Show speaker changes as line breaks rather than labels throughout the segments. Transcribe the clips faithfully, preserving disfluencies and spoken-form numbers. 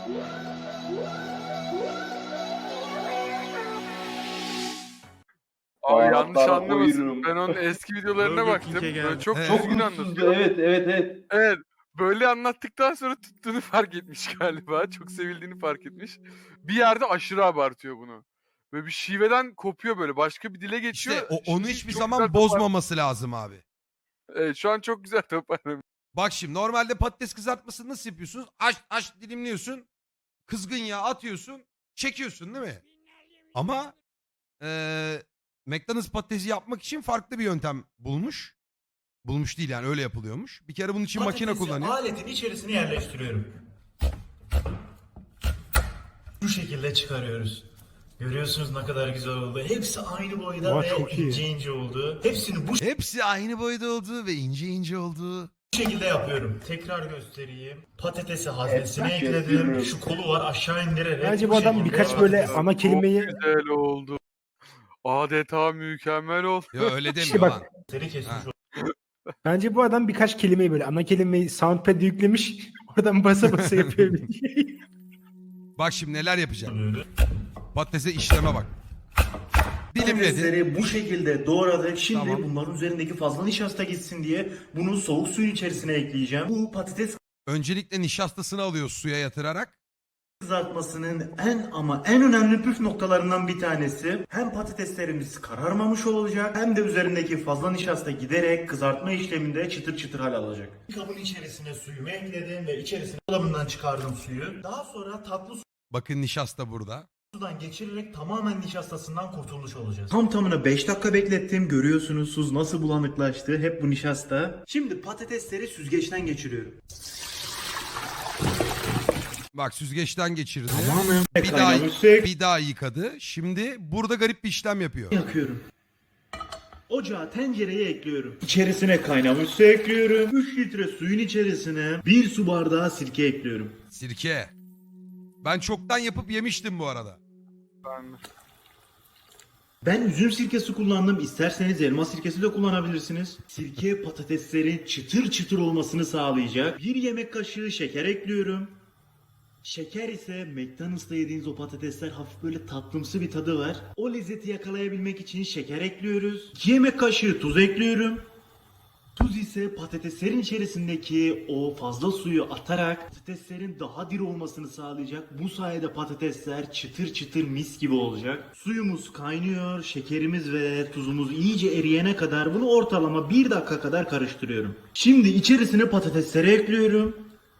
Abi yanlış
Baharatlar
anlamasın.
koyuyorum.
Ben onun eski videolarına
Burger
baktım.
King'e
Böyle
geldi.
çok
Evet.
Çok
düzgün
mutsuzdu.
anlatıyor.
Evet evet evet.
Evet. Böyle anlattıktan sonra tuttuğunu fark etmiş galiba. Çok sevildiğini fark etmiş. Bir yerde aşırı abartıyor bunu. Böyle bir şiveden kopuyor böyle. Başka bir dile geçiyor.
İşte o, onu
Şimdi
hiçbir
çok
zaman
güzel topar-
bozmaması lazım abi.
Evet, şu an çok güzel toparlamış.
Bak şimdi normalde patates kızartmasını nasıl yapıyorsunuz? Aç aç dilimliyorsun. Kızgın yağ atıyorsun. Çekiyorsun değil mi? Ama eee McDonald's patatesi yapmak için farklı bir yöntem bulmuş. Bulmuş değil yani öyle yapılıyormuş. Bir kere bunun için makine
Patatesi
kullanıyor.
aletin içerisine yerleştiriyorum. Bu şekilde çıkarıyoruz. Görüyorsunuz ne kadar güzel oldu. Hepsi aynı boyda
Vay,
ve
çok iyi.
ince ince oldu. Hepsini bu
Hepsi aynı boyda olduğu ve ince ince olduğu.
şekilde yapıyorum. Tekrar göstereyim. Patatesi haznesine
Evet,
ekledim.
gösteriyorum.
Şu kolu var aşağı indirerek.
Bence bu adam
şekilde
birkaç böyle
yapıyorum.
ana kelimeyi
Güzel oldu. Adeta mükemmel oldu.
Ya öyle demiyor
İşte bak-
lan.
Seri kesmiş
Ha.
bence bu adam birkaç kelimeyi böyle ana kelimeyi soundpad'e yüklemiş. Oradan basa basa yapıyor.
Bak şimdi neler yapacak.
oluyoruz.
Patatese işleme bak. Dilimledi.
Patatesleri bu şekilde doğradık. Şimdi
Tamam.
bunların üzerindeki fazla nişasta gitsin diye bunu soğuk suyun içerisine ekleyeceğim. Bu patates
Öncelikle nişastasını alıyor suya yatırarak.
kızartmasının en ama en önemli püf noktalarından bir tanesi. Hem patateslerimiz kararmamış olacak hem de üzerindeki fazla nişasta giderek kızartma işleminde çıtır çıtır hal alacak. Kabın içerisine suyumu ekledim ve içerisine dolabından çıkardım suyu. Daha sonra tatlı
Bakın nişasta burada.
sudan geçirerek tamamen nişastasından kurtulmuş olacağız. Tam tamına beş dakika beklettim. Görüyorsunuz suz nasıl bulanıklaştı. Hep bu nişasta. Şimdi patatesleri süzgeçten geçiriyorum.
Bak süzgeçten geçirdi.
Tamamen
Bir daha,
kaynamış su ek-
bir daha yıkadı. Şimdi burada garip bir işlem yapıyor.
yakıyorum. Ocağa tencereye ekliyorum. İçerisine kaynamış su ekliyorum. üç litre suyun içerisine bir su bardağı sirke ekliyorum.
Sirke. Ben çoktan yapıp yemiştim bu arada.
Ben
Ben üzüm sirkesi kullandım. İsterseniz elma sirkesi de kullanabilirsiniz. Sirke patateslerin çıtır çıtır olmasını sağlayacak. Bir yemek kaşığı şeker ekliyorum. Şeker ise McDonald's'ta yediğiniz o patatesler hafif böyle tatlımsı bir tadı var. O lezzeti yakalayabilmek için şeker ekliyoruz. iki yemek kaşığı tuz ekliyorum. Tuz ise patateslerin içerisindeki o fazla suyu atarak patateslerin daha diri olmasını sağlayacak. Bu sayede patatesler çıtır çıtır mis gibi olacak. Suyumuz kaynıyor, şekerimiz ve tuzumuz iyice eriyene kadar bunu ortalama bir dakika kadar karıştırıyorum. Şimdi içerisine patatesleri ekliyorum.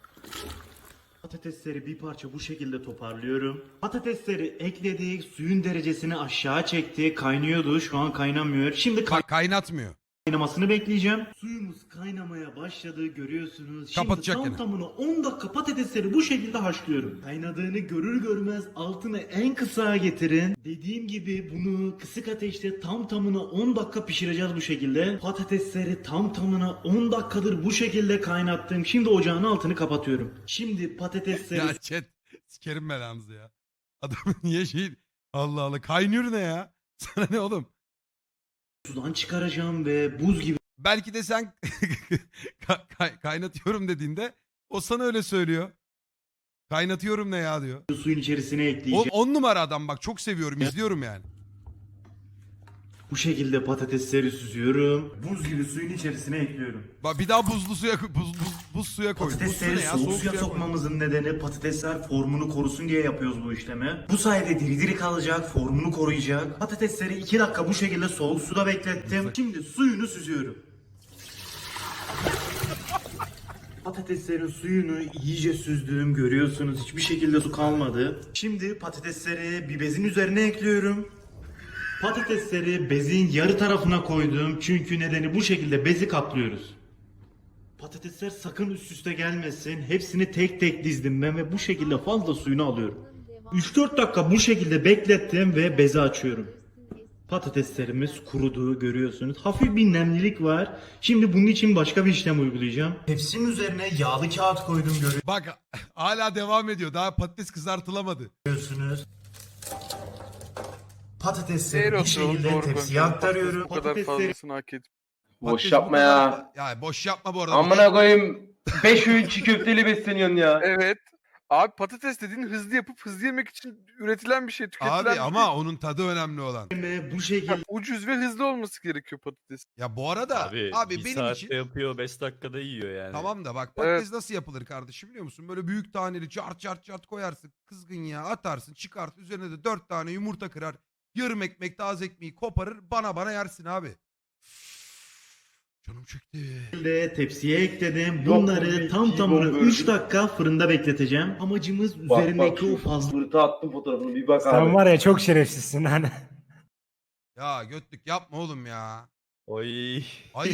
Patatesleri bir parça bu şekilde toparlıyorum. Patatesleri ekledik, suyun derecesini aşağı çekti, kaynıyordu, şu an kaynamıyor. Şimdi
Ka- kaynatmıyor.
kaynamasını bekleyeceğim. Suyumuz kaynamaya başladı görüyorsunuz. Şimdi
Kapatacak
tam
yine.
tamına on dakika patatesleri bu şekilde haşlıyorum. Kaynadığını görür görmez altını en kısa getirin. Dediğim gibi bunu kısık ateşte tam tamına on dakika pişireceğiz bu şekilde. Patatesleri tam tamına on dakikadır bu şekilde kaynattım. Şimdi ocağın altını kapatıyorum. Şimdi patatesleri
Ya chat sikerim belanızı ya. Adamın niye şey... Allah Allah kaynıyor ne ya? Sana ne oğlum?
sudan çıkaracağım ve buz gibi
Belki de sen ka- kay- kaynatıyorum dediğinde o sana öyle söylüyor. Kaynatıyorum ne ya diyor.
suyun içerisine ekleyeceğim.
Oğlum on numara adam bak çok seviyorum izliyorum yani.
Bu şekilde patatesleri süzüyorum. Buz gibi suyun içerisine ekliyorum.
Bak bir daha buzlu suya buz, buz, buz suya koy. Buz su
Patatesleri
ne ya?
soğuk suya
koy.
sokmamızın nedeni patatesler formunu korusun diye yapıyoruz bu işlemi. Bu sayede diri diri kalacak, formunu koruyacak. Patatesleri iki dakika bu şekilde soğuk suda beklettim. Şimdi suyunu süzüyorum. Patateslerin suyunu iyice süzdüm, görüyorsunuz hiçbir şekilde su kalmadı. Şimdi patatesleri bir bezin üzerine ekliyorum. Patatesleri bezin yarı tarafına koydum çünkü nedeni bu şekilde bezi kaplıyoruz. Patatesler sakın üst üste gelmesin. Hepsini tek tek dizdim ben ve bu şekilde fazla suyunu alıyorum. üç dört dakika bu şekilde beklettim ve bezi açıyorum. Patateslerimiz kurudu görüyorsunuz. Hafif bir nemlilik var. Şimdi bunun için başka bir işlem uygulayacağım. Tepsinin üzerine yağlı kağıt koydum
Bak hala devam ediyor. Daha patates kızartılamadı.
görüyorsunuz. Patatesleri
Eğer
bir
oturalım
şekilde
doğru
tepsiye
konuşalım.
aktarıyorum.
Bu kadar
Patatesleri
fazlasını hak et.
Boş
Patates bu
yapma
kadar-
ya.
Ya boş yapma bu arada.
Amına koyayım. beş öğün çiğ köfteli besleniyorsun ya.
Evet. Abi patates dediğin hızlı yapıp hızlı yemek için üretilen bir şey, tüketilen
Abi
bir şey.
ama onun tadı önemli olan.
bu şekilde
Ucuz ve hızlı olması gerekiyor patates.
Ya bu arada abi,
Abi, bir
benim
saatte
için
yapıyor, beş dakikada yiyor yani.
tamam da bak patates nasıl yapılır kardeşim biliyor musun? Böyle büyük taneli cart cart cart koyarsın. Kızgın yağ atarsın çıkart. Üzerine de dört tane yumurta kırar. Yarım ekmek taze ekmeği koparır. Bana bana yersin abi. Canım çekti.
tepsiye ekledim. Bunları tam tamına üç dakika fırında bekleteceğim. Amacımız
Bak,
üzerindeki
bak,
o fazla
Fırta attım fotoğrafını bir bak
Sen
abi.
var ya çok şerefsizsin hani.
Ya götlük yapma oğlum ya.
Oy.
Ay.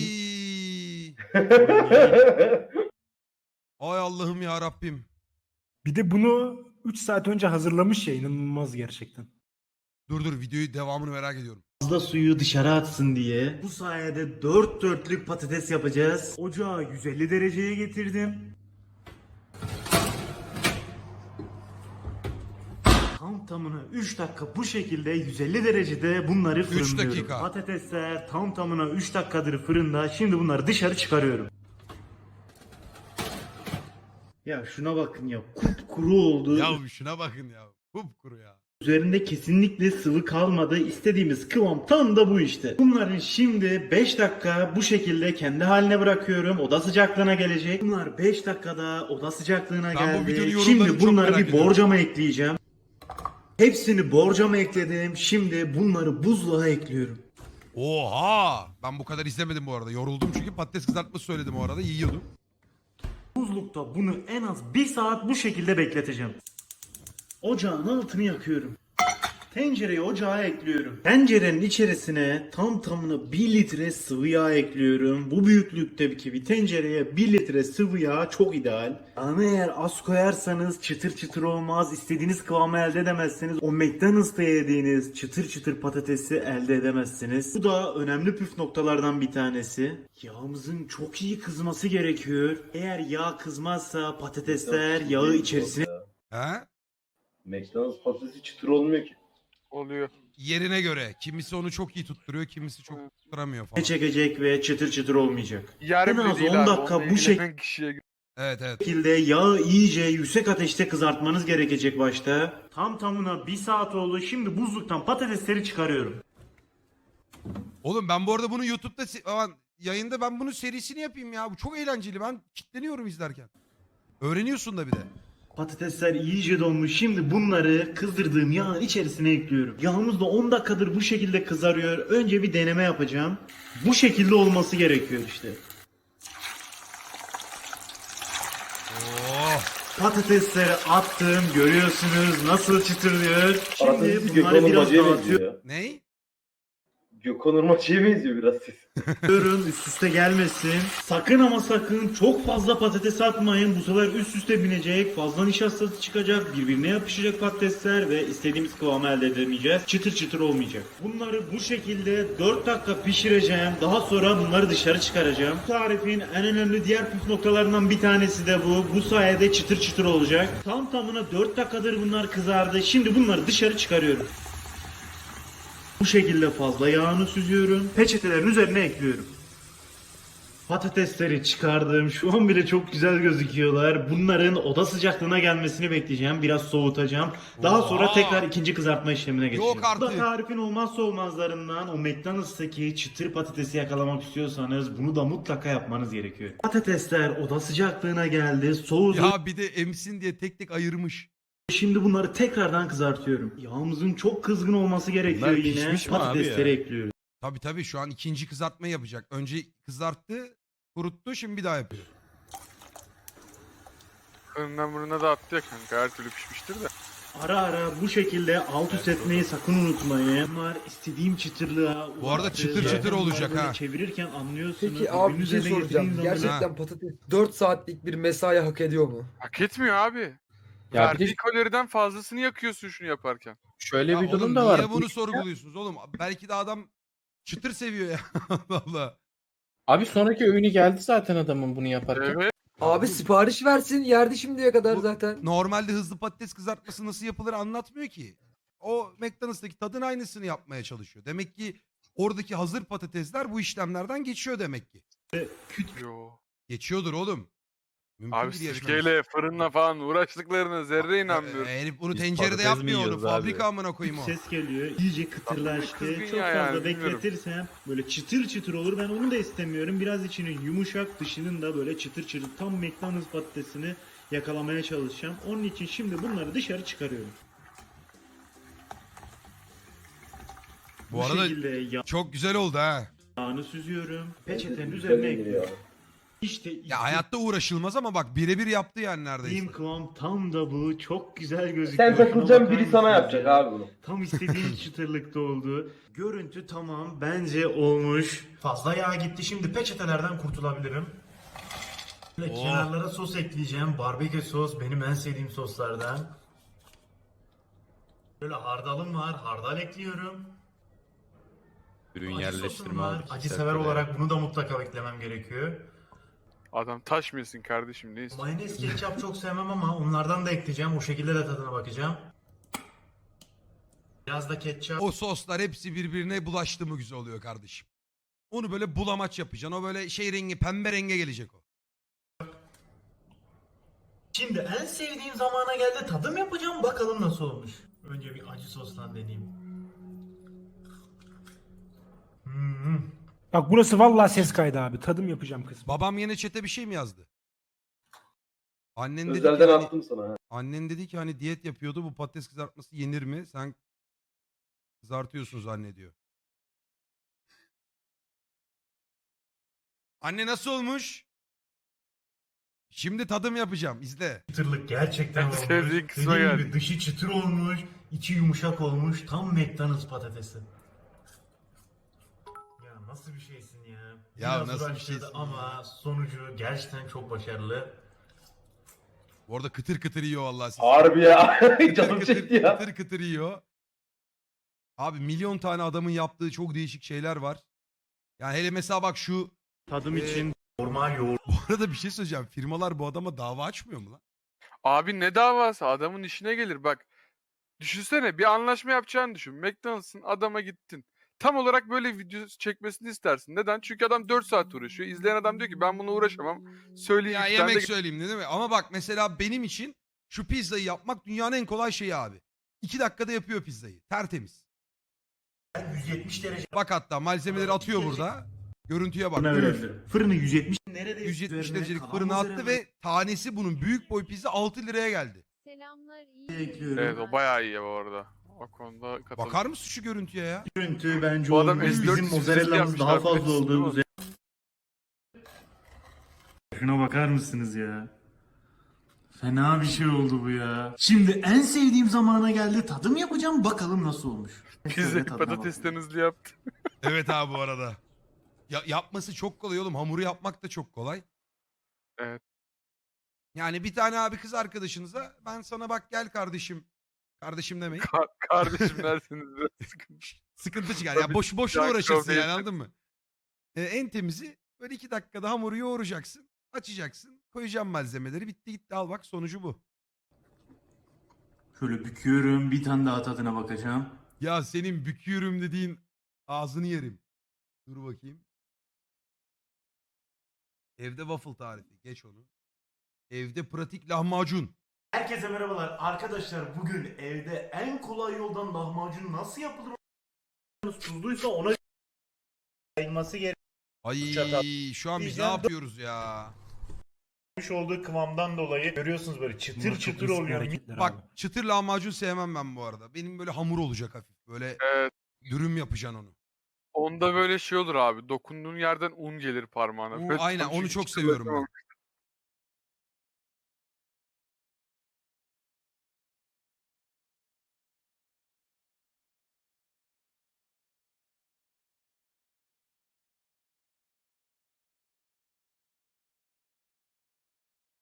Ay Allah'ım ya Rabbim.
Bir de bunu üç saat önce hazırlamış ya, inanılmaz gerçekten.
Dur dur videoyu devamını merak ediyorum.
fazla suyu dışarı atsın diye. Bu sayede dört dörtlük patates yapacağız. Ocağı yüz elli dereceye getirdim. Tam tamına üç dakika bu şekilde yüz elli derecede bunları fırınlıyorum.
dakika.
Patatesler tam tamına üç dakikadır fırında. Şimdi bunları dışarı çıkarıyorum. Ya şuna bakın ya, kupkuru oldu.
Ya şuna bakın ya. Kupkuru ya.
Üzerinde kesinlikle sıvı kalmadı. İstediğimiz kıvam tam da bu işte. Bunların şimdi beş dakika bu şekilde kendi haline bırakıyorum. Oda sıcaklığına gelecek. Bunlar beş dakikada oda sıcaklığına
Ben bu videonun
geldi.
yorumlarını
Şimdi
çok
bunları
merak
bir
ediyorum.
borcama ekleyeceğim. Hepsini borcama ekledim. Şimdi bunları buzluğa ekliyorum.
Oha! Ben bu kadar izlemedim bu arada. Yoruldum çünkü patates kızartması söyledim o arada. Yiyordum.
Buzlukta bunu en az bir saat bu şekilde bekleteceğim. Ocağın altını yakıyorum. Tencereyi ocağa ekliyorum. Tencerenin içerisine tam tamına bir litre sıvı yağ ekliyorum. Bu büyüklükteki bir tencereye bir litre sıvı yağ çok ideal. Ama eğer az koyarsanız çıtır çıtır olmaz. İstediğiniz kıvamı elde edemezsiniz. O McDonald's'ta yediğiniz çıtır çıtır patatesi elde edemezsiniz. Bu da önemli püf noktalardan bir tanesi. Yağımızın çok iyi kızması gerekiyor. Eğer yağ kızmazsa patatesler yağı içerisine
He?
McDonald's patatesi çıtır olmuyor ki.
Oluyor.
Yerine göre. Kimisi onu çok iyi tutturuyor, kimisi çok tutturamıyor falan.
çekecek ve çıtır çıtır olmayacak.
Yer
En
bile
az
değil
on
abi.
dakika
onunla
bu şek-
ilgilenen kişiye göre.
Evet evet.
şekilde yağı iyice yüksek ateşte kızartmanız gerekecek başta. Tam tamına bir saat oldu. Şimdi buzluktan patatesleri çıkarıyorum.
Oğlum ben bu arada bunu YouTube'da se- aman, yayında ben bunun serisini yapayım ya. Bu çok eğlenceli. Ben kitleniyorum izlerken. Öğreniyorsun da bir de.
Patatesler iyice donmuş. Şimdi bunları kızdırdığım yağın içerisine ekliyorum. Yağımız da on dakikadır bu şekilde kızarıyor. Önce bir deneme yapacağım. Bu şekilde olması gerekiyor işte.
Oh.
Patatesleri attım. Görüyorsunuz nasıl çıtırlıyor. Şimdi
Patatesi
bunları
Gökhan
biraz
Urmacı'ya
dağıtıyorum.
benziyor ya.
Ney?
Gökhan Urmacı'ya benziyor biraz ses.
Ürün üst üste gelmesin. Sakın ama sakın çok fazla patates atmayın. Bu sefer üst üste binecek. Fazla nişastası çıkacak. Birbirine yapışacak patatesler ve istediğimiz kıvamı elde edemeyeceğiz. Çıtır çıtır olmayacak. Bunları bu şekilde dört dakika pişireceğim. Daha sonra bunları dışarı çıkaracağım. Bu tarifin en önemli diğer püf noktalarından bir tanesi de bu. Bu sayede çıtır çıtır olacak. Tam tamına dört dakikadır bunlar kızardı. Şimdi bunları dışarı çıkarıyorum. Bu şekilde fazla yağını süzüyorum. Peçetelerin üzerine ekliyorum. Patatesleri çıkardım. Şu an bile çok güzel gözüküyorlar. Bunların oda sıcaklığına gelmesini bekleyeceğim. Biraz soğutacağım. Daha sonra
Oha!
tekrar ikinci kızartma işlemine geçeceğim.
Yok artık.
Bu da tarifin olmazsa olmazlarından. O McDonald's'taki çıtır patatesi yakalamak istiyorsanız bunu da mutlaka yapmanız gerekiyor. Patatesler oda sıcaklığına geldi. Soğudu.
Ya bir de emsin diye tek tek ayırmış.
Şimdi bunları tekrardan kızartıyorum. Yağımızın çok kızgın olması gerekiyor
Bunlar
yine.
pişmiş mi abi
Patatesleri
ya?
ekliyoruz.
Tabii tabii şu an ikinci kızartma yapacak. Önce kızarttı, kuruttu, şimdi bir daha yapıyor.
Fırından burnuna da attı ya kanka. Her türlü pişmiştir de.
Ara ara bu şekilde alt üst etmeyi sakın unutmayın. Bunlar istediğim çıtırlığa
Bu arada
ulaştı.
çıtır
Zaten
çıtır
bunları
olacak
böyle
ha.
Çevirirken anlıyorsunuz.
Peki abi bir
Birbirinin
şey
üzerine
soracağım.
getirdiğin zaman-
Gerçekten patates dört saatlik bir mesai hak ediyor mu?
Hak etmiyor abi.
Ya bir
Verdiği
de
kaloriden fazlasını yakıyorsun şunu yaparken.
şöyle
Ya
bir durum
oğlum
da var.
niye
Bu
bunu
işte-
sorguluyorsunuz oğlum? Belki de adam çıtır seviyor ya. Allah Allah.
Abi sonraki öğünü geldi zaten adamın bunu yaparken.
Evet.
Abi sipariş versin yerdi şimdiye kadar
Bu-
zaten.
Normalde hızlı patates kızartması nasıl yapılır anlatmıyor ki. O McDonald's'taki tadın aynısını yapmaya çalışıyor. Demek ki oradaki hazır patatesler bu işlemlerden geçiyor demek ki.
Yo.
Geçiyordur oğlum. Mümkün
Abi
değil yarışmamız.
sirkeyle, fırınla falan uğraştıklarına zerre
Ee,
inanmıyorum.
herif bunu
Biz
tencerede
patates mi
yapmıyor onu.
yiyoruz abi?
Fabrika amına koyayım o.
Ses geliyor. İyice kıtırlaştı.
kızgın
Çok
ya
fazla
yani, bilmiyorum.
bekletirsem böyle çıtır çıtır olur. Ben onu da istemiyorum. Biraz içinin yumuşak, dışının da böyle çıtır çıtır. Tam McDonald's patatesini yakalamaya çalışacağım. Onun için şimdi bunları dışarı çıkarıyorum.
Bu arada
şekilde
çok güzel oldu ha.
yağını süzüyorum. Peçetenin
Güzel
üzerine
geliyor.
ekliyorum. İşte
Ya hayatta uğraşılmaz ama bak birebir yaptı yani neredeyse.
istediğim kıvam tam da bu. Çok güzel gözüküyor.
Sen
Şuna
takılacaksın,
bakar
biri sana
mısınız
yapacak
ya?
abi bunu.
Tam istediğim çıtırlıkta oldu. Görüntü tamam. Bence olmuş. Fazla yağ gitti. Şimdi peçetelerden kurtulabilirim. Böyle
Oh.
kenarlara sos ekleyeceğim. Barbekü sos benim en sevdiğim soslardan. Böyle hardalım var. Hardal ekliyorum.
Ürün
Acı sosum
yerleştirme
var.
abi.
Acı
Serpil
sever
abi.
olarak bunu da mutlaka eklemem gerekiyor.
Adam taşmıyorsun kardeşim ne istiyorsun?
Mayonez, ketçap çok sevmem ama onlardan da ekleyeceğim. O şekilde de tadına bakacağım. Biraz da ketçap.
O soslar hepsi birbirine bulaştı mı güzel oluyor kardeşim. Onu böyle bulamaç yapacaksın. O böyle şey rengi pembe renge gelecek o.
Şimdi en sevdiğim zamana geldi. Tadım yapacağım. Bakalım nasıl olmuş. Önce bir acı sostan deneyeyim. Hmm.
Bak burası vallahi ses kaydı abi. Tadım yapacağım kısmı.
Babam yine çete bir şey mi yazdı? Annen dedi ki
Özelden
hani,
attım sana. ha.
annen dedi ki hani diyet yapıyordu bu patates kızartması yenir mi? Sen kızartıyorsun zannediyor. Anne nasıl olmuş? Şimdi tadım yapacağım. İzle.
Çıtırlık gerçekten
En
olmuş.
sevdiğin kısma
Dediğim
geldik.
gibi dışı çıtır olmuş. İçi yumuşak olmuş. Tam McDonald's patatesi. Ya nasıl bir şeysin ya.
Ya
Biraz
nasıl bir
uğraştırdı
şeysin
ama sonucu gerçekten çok başarılı.
Bu arada kıtır kıtır yiyor vallahi siz.
Harbi ya.
Kıtır
Canım
kıtır,
çekti ya.
kıtır kıtır yiyor. Abi milyon tane adamın yaptığı çok değişik şeyler var. Yani hele mesela bak şu
Tadım
Ee,
için normal yoğurt.
bu arada bir şey söyleyeceğim. Firmalar bu adama dava açmıyor mu lan?
Abi ne davası? Adamın işine gelir bak. Düşünsene bir anlaşma yapacağını düşün. McDonald's'ın adama gittin. Tam olarak böyle video çekmesini istersin. Neden? Çünkü adam dört saat uğraşıyor. İzleyen adam diyor ki ben bunu uğraşamam. Söyleyeyim.
Ya
iki tane
yemek
de-
söyleyeyim değil mi? Ama bak mesela benim için şu pizzayı yapmak dünyanın en kolay şeyi abi. İki dakikada yapıyor pizzayı. Tertemiz.
yüz yetmiş derece
Bak hatta malzemeleri atıyor burada. Görüntüye bak.
fırına
Üf.
verebilirim. Fırını yüz yetmiş. Neredeyse
yüz yetmiş
üzerine
derecelik
kalan
fırına attı
mozzarella
ve tanesi bunun büyük boy pizza altı liraya geldi.
Selamlar iyi.
ekliyorum.
Evet o bayağı iyi bu arada. O konuda katılıyorum.
Bakar mısın şu görüntüye ya?
Görüntü bence
Bu adam
olmuş.
S dört
Bizim
yüz
mozzarella'mız
yapmış
daha
abi,
fazla
değil
oldu.
mi?
Üzerine- Şuna bakar mısınız ya? Fena bir şey oldu bu ya. Şimdi en sevdiğim zamana geldi. Tadım yapacağım. Bakalım nasıl olmuş.
Pizzayı
Şöyle tadına
patatesten
bakayım.
hızlı yaptı.
Evet abi bu arada. Ya, yapması çok kolay oğlum. Hamuru yapmak da çok kolay.
Evet.
Yani bir tane abi kız arkadaşınıza ben sana bak gel kardeşim. Kardeşim demeyin.
Ka- kardeşim dersiniz biraz sıkıntı.
Sıkıntı çıkar. Ya
Tabii,
boş boşuna
can
uğraşırsın
kroveydi.
yani anladın mı? Ee, en temizi böyle iki dakikada hamuru yoğuracaksın. Açacaksın. Koyacaksın malzemeleri. Bitti gitti al bak sonucu bu.
Şöyle büküyorum. Bir tane daha tadına bakacağım.
Ya senin büküyorum dediğin ağzını yerim. Dur bakayım. Evde waffle tarifi. Geç onu. Evde pratik lahmacun.
Herkese merhabalar. Arkadaşlar bugün evde en kolay yoldan lahmacun nasıl yapılır? Tuzluysa ona yayılması
Ay
Çatal.
şu an biz ne
Diyeceğim,
yapıyoruz ya?
gerekmiş olduğu kıvamdan dolayı görüyorsunuz böyle çıtır çıtır oluyor.
Bak çıtır lahmacun sevmem ben bu arada. Benim böyle hamur olacak hafif. Böyle
Evet.
dürüm yapacaksın onu.
Onda böyle şey olur abi. Dokunduğun yerden un gelir parmağına.
U-
Böyle
aynen
tam
onu
çünkü
çok
hiç
seviyorum ben.
uğraşamamış.